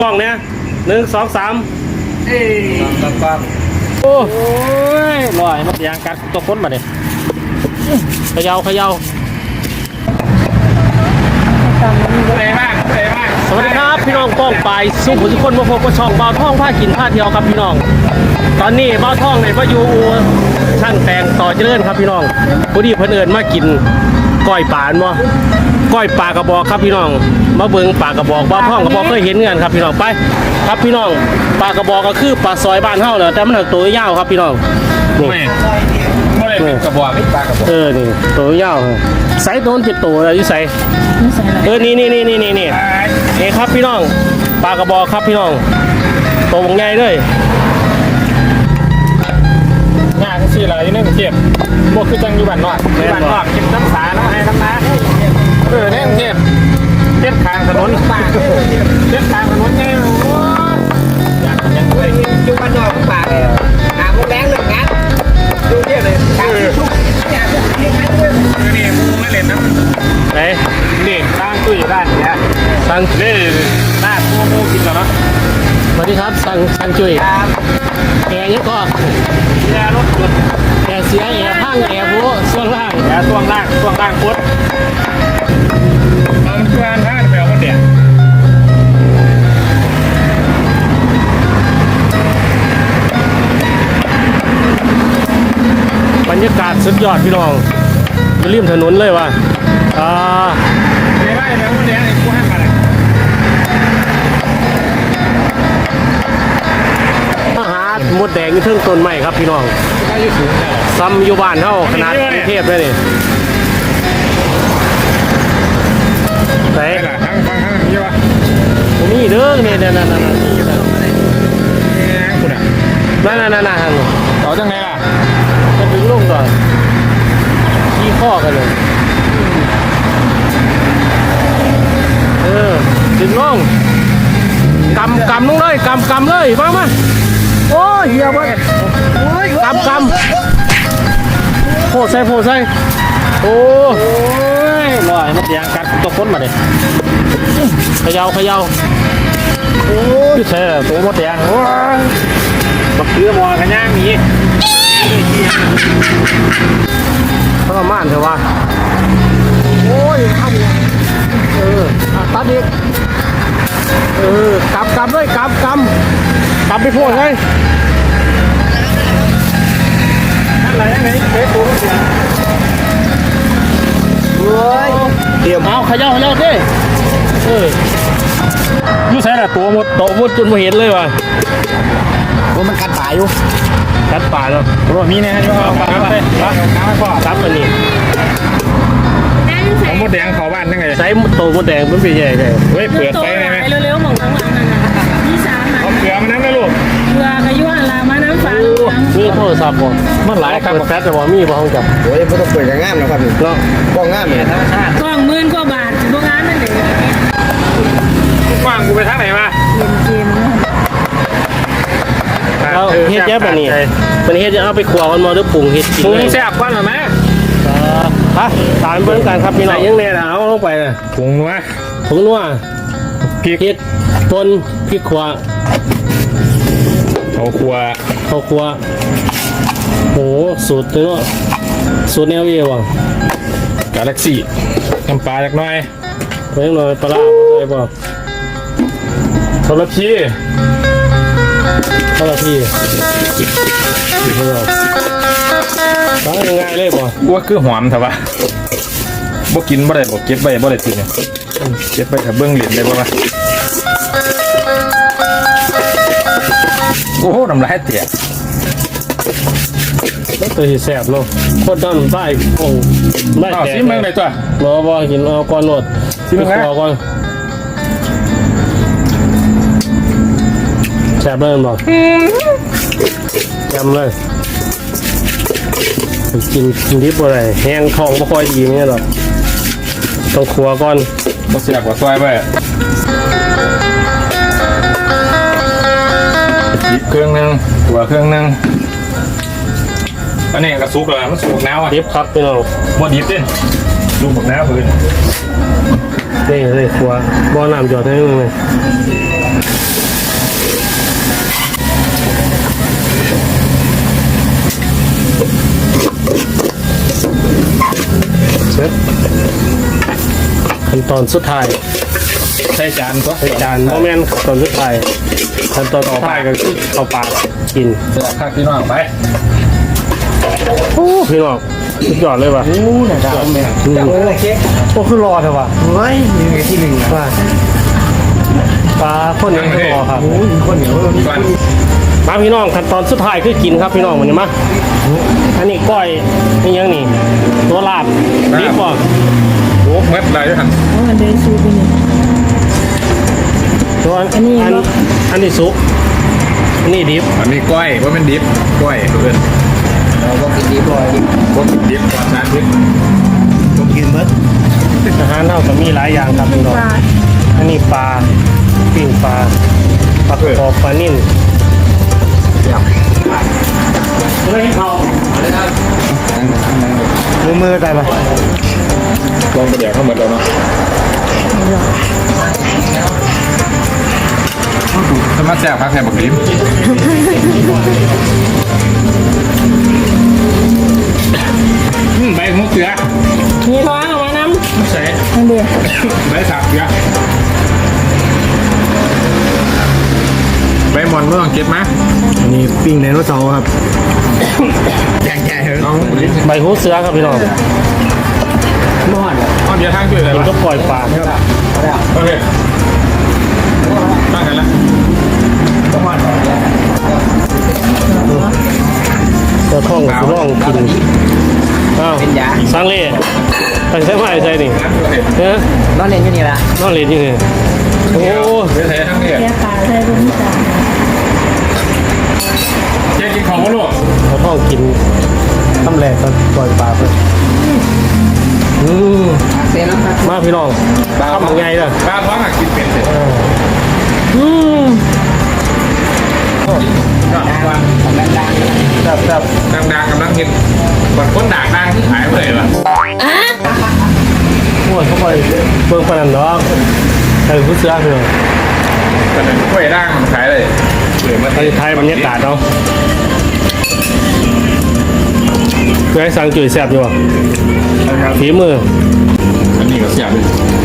กล้องเนี่ย1 2 3 ปั๊บโอ้ยลอยมันยางกัดตัวคนมาเนี่ยเขย่าสวัสดีครับพี่น้องกล้องไปสุขุมทุกคนมาพบกับช่องบ่าวท่องผ้ากินผ้าเที่ยวครับพี่น้องตอนนี้บ่าวท่องในพายุช่างแต่งต่อเจริญครับพี่น้องพอดีเพิ่นเอิญมากินก้อยปลาเนาะก้อยปลากระบอกครับพี่น้องมาเบิ่งปลากระบอกบ่าวท่องกระบอกเคยเห็นเงินครับพี่น้องไปครับพี่น้องปลากระบอกก็คือปลาซอยบ้านเฮาเนาะแต่มันตัวยาวครับพี่น้องนี่กระบอกปลากระบอกนี่ตัวยาวไซส์โดนจิตตัวอะไรอยู่ไซส์นี่ครับพี่น้องปลากระบอกครับพี่น้องตัววงใหญ่เลยงานที่อะไรนี่เก็บพวกคือจังอยู่บ้านนอกเก็บน้ำสาน้ำไห้น้ำน้ำเนี่ยเก็บข้างถนนเก็บข้างถนนไงยังด้วยอยู่บ้านนอกป่าหาพวกแรงเลยงั้นดูเนี่ยเลยนี่มึงไม่เล่นนะไหนนี่สร้างตู้อยู่ด้านนี้สร้างนี่หน้าโม่กินแล้วเนาะสวัสดีครับสร้างจุ้ยแอร์นี่ก็แอร์รถยนต์แอร์เสียแอร์พังแอร์ผู้ช่วงล่างแอร์ช่วงล่างพุทธมันเพื่อนท่านแปลว่าเด็กบรรยากาศสุดยอดพี่น้องริมถนนเลยว่ะไม่ได้แล้ววันนี้ไอ้กูให้มาเลยอาหารมดแดงอยู่เทิงต้นไม้ครับพี่น้องซ้ำอยู่บ้านเท่าขนาดกรุงเทพเลยนี่ไหนทั้งนี่วะนี่เด้อเนี่ยนั่นเอาจังไงล่ะจะดึงลงก่อนขี้ข้อกันเลยดึงลงกำลงเลยกำเลยมาโอ้ยเหี้ยบ้กำโผล่ใส่โอ้ยลอยมันยางกัดตัวคนมาเลยเขย่าโอ้ยใช่ตัวมดแดงโอ้ยบักเกลือมอกันย่างนี้ทรมานเถอะวะโอ้ยทำตัดอีกกำเลยกำไปพูดเลยอะไรยังไงเป๊ะตัวเสียเฮ้ยเดี๋ยวเอาขย่าดิยูใส่ละตัวมดจนมาเห็นเลยว่ะว่ามันกัดป่าอยู่กัดป่าเนาะว่ามีแน่อยู่เอาป่าไปครับอันนี้เอามดแดงเขาบ้านยังไงใส่ตัวมดแดงมันเป็นยังไงเฮ้ยเปิดไฟได้ไหมเร็วๆมองข้างหลังนั่นนะพี่สามเอาเกลือมาน้ำนะลูกเกลือกระยุ่งอะไรมาน้ำฟ้ามีโทรศัพท์บ่มันหลายครับแฟแต่ว่ามีบ่ห้องจับโอ้ยไม่ต้องเปิดอย่างงามนะครับนี่เนาะกล้องงามเนี่ยธรรมชาติกล้อง10,000 กว่าบาทพวกงานนั่นเองกว้างกูไปทางไหนมาเอาเฮ็ดแย่แบบนี้มันเฮ็ดจะเอาไปขวมันมาด้วยปรุงเฮ็ดกินแซ่บกว่าหรือไม่ตามเบิ่งกันครับพี่น้องยังแน่เอาลงไปนะผงนัวพริกป่นพริกขวาข้าวคั่วโหสูตรเนาะสูตรแนวเอว่ะกาแล็กซี่น้ำปลาจักหน่อยเพิ่งหน่อยปลาอะไรบ่ทรพีตั้งง่ายเลยบ่ว่าคือหอมเถอะวะบ่กินบ่ได้บ่เก็บไว้บ่ได้กินเนี่ยเก็บไว้ถ้าเบิ่งเหรียญได้บ่วะโอ้โหน้ำลายเตะแล้วตัวที่แซ่บเนาะโคตรด้านใต้โอ้ไม่แตกซิมเบิ่งได้ตัวบ่กินเอาก่อนโหลดซิมเบิ่งก่อนแซ่บเลยบ่ยำเลยกินดิบอะไรแห้งทองไม่ค่อยดีเนี่ยหรอกต้องครัวก่อนบ่เสียกว่าซอยไปอีกเครื่องนึงตัวเครื่องนึงอันนี้กระซุกเลยมันสุกน้ำอ่ะดิบครับพี่น้องบ่ดิบเด้ดูหมดน้ำพื้นนี่เลยครัวบ่อน้ำหยอดให้นึงเลยตอนสุดท้ายใส่จานก็ใส่จานโมเมนต์ตอนสุดท้ายขั้นตอนต่อไปก็คือเอาปากกินเสือข้างพี่น้องไปโอ้พี่น้องสุดยอดเลยว่ะโอ้น่าจะเอาแม่จังเลยนะเค้กโอ้คือรอเถอะว่ะเฮ้ยมีไงที่หนึ่งว่าปลาคนยังคือรอครับโอ้ยคนเหนียวก่อนมาพี่น้องขั้นตอนสุดท้ายคือกินครับพี่น้องวันนี้มาอันนี้ก้อยนี่ยังนี่ตัวลาบดิบบ่โอ้เม็ดอะไรด้วยกันเอาอันเดยซูไปนี่ตัวอันนี้เหรออันนี้สุกอันนี้ดิบอันนี้ก้อยว่าเป็นดิบก้อยเพื่อนเราก็กินดีบ่อยพวกดิบก่อนนะดิบผมกินมั้ยอาหารเท่ากับมีหลายอย่างครับพี่น้องปลาอันนี้ปลาปิ้งปลาปลากระบอกปลานิ่นเลยเขามือได้ปะลองไปเดี๋ยวเข้ามาแล้วเนาะสมัครแจกพักแทนบักดิบใบมุกเสือมีท้องเอามาน้ใส่ำอันเดียวใบสับเสือใบมอนเมื่อเก็บมาอันนี้ปิ้งไดโนเสาร์ครับใหญ่ๆเลยน้องลิ้นใบหูเสือครับพี่น้องมอดอ้อมเยอะทางช่วยอะไรกินวะก็ปล่อยปลาโอเคตั้งกันละเสือท่องกับร่องกินอ้าวสร้างเล่ไปใช้ไม้ใช่นี่เฮ้ยนอนเล่นอยู่นี่ละนอนเล่นอยู่นี่โอ้เดี๋ยวใส่ทั้งนี้แกปลาใส่บนนี้จ้ะเจ๊กินของวะลูกเสือท่องกินทำแหลกก็ปล่อยปลาไปอืมเต้นแล้วครับมาพี่น้องทำยังไงล่ะปลาท้องอ่ะกินเป็นเสร็จอืมวันแบบแบบดังๆกำลังกินบัดคนด่างดังที่หายไปเลยว่ะโอ้ยเข้าไปเบิ่งปานนันดอกใส่ผู้เสือพี่น้องแต่เป็นกล้วยด่างมันขายเลยเหลือมาไทยไทยบรรยากาศเนาะเคยสั่งจุ๋ยแซ่บอยู่อ่ะฝีมืออันนี้ก็เสียบเลย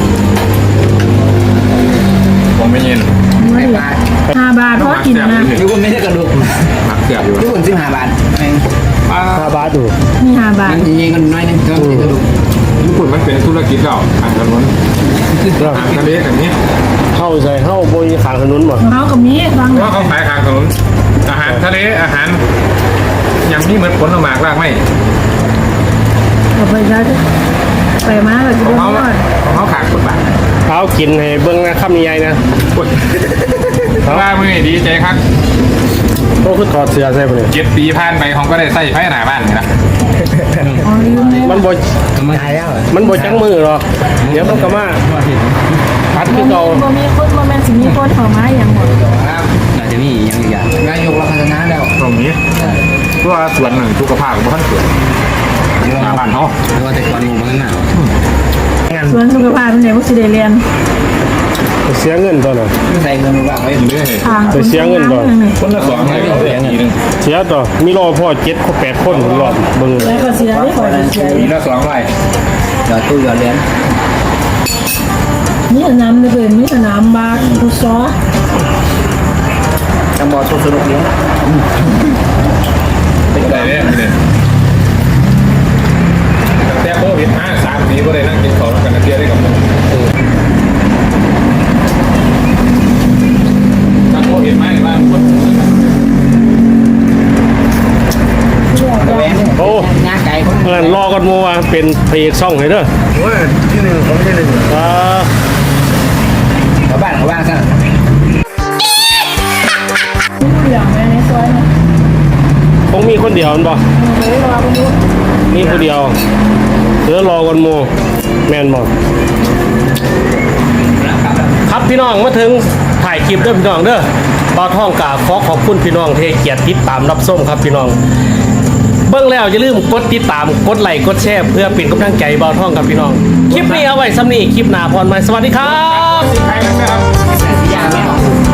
ผมไม่เย็นไม่เหลือ5 บาทเพราะกินนะทุกคนไม่ใช่กระดูกหมักเสียบอยู่ทุกคน15 บาทแม่งปลา 5 บาทอยู่มี5 บาทยิงกันน้อยนึงก็ไม่ใช่กระดูกญี่ปุ่นมันเป็นธุรกิจเก่าอาหารถนนอาหารทะเลแบบนี้เข้าใส่เข้าบนขางถนนบ่เขากับมีบางเพราะเขาขายทางถนนอาหารทะเลอาหารอย่างนี้เหมือนผลไม้รากไม้เอาไปได้ไปมาเราจะของเดินเขารอดของเขาขายคนบาทเอากินให้เบิ่งนะคำใหญ่ๆนะว่ามือดีใจครับโอ้คือถอดเสื้อใส่บ่เนี่ย 7 ปีผ่านไปของก็ได้ใส่ไฟหน้าบ้านนี่นะอ๋อลืมเลยมันบ่ตายแล้วมันบ่จังมือหรอกเดี๋ยวมันก็มาพัดคือเก่าบ่มีคนบ่แม่นสิมีคนเข้ามาอย่างหมดน่าจะมีอย่างอีกอย่างนายกเราพัฒนาแล้วตรงนี้เพราะว่าส่วนหนึ่งสุขภาพของท่านเกิดหน้าบ้านเขาเราแต่ก่อนงูมันหนาวส่วนสุขภาพเป็นไงบ่สิได้เรียนเสียเงินตัวน่ะไม่ใส่เงินว่างไว้เรื่อยทางไปเสียเงินก่อนคนละ2เลยเขาเสียทีนึงเสียต่อมีรอพ่อ7คน8คนรอบเบิ่งแล้วก็เสียได้ขอเสียทีละ2ใบหยอดตู้หยอดเหรียญมีสนามเลยเป็นมีสนามบาสฟุตซอลจังบอลสนุกเลี้ยงเป็นไรเนี่ยตั้งแต่โควิดมา3 ปีก็ได้นั่งกินข้าวกันนะเที่ยวได้กับผมตั้งโควิดมาบ้านคนแหวนโอ้งาไก่คนเงินรอกันโมว่าเป็นพระเอกช่องให้เด้อโอ้ยที่หนึ่งเขาไม่ใช่หนึ่งอ่าเขาบ้านเขาบ้านซะเหลืองในซอยนะคงมีคนเดียวมันบ่ไปรอกันดูมีคนเดียวเหลือรอกันโมแม่นบ่ครับพี่น้องมาถึงถ่ายคลิปเด้อพี่น้องเด้อบ่าวท่องกาขอขอบคุณพี่น้องที่ให้เกียรติติดตามรับชมครับพี่น้อง เบิ่งแล้วอย่าลืมกดติดตามกดไลค์กดแชร์เพื่อเป็นกำลังใจบ่าวท่องกับพี่น้อง คลิปนี้เอาไว้ซ้ำนี้คลิปหน้าพรใหม่สวัสดีครับใครนะครับแต่สียางไม่ออก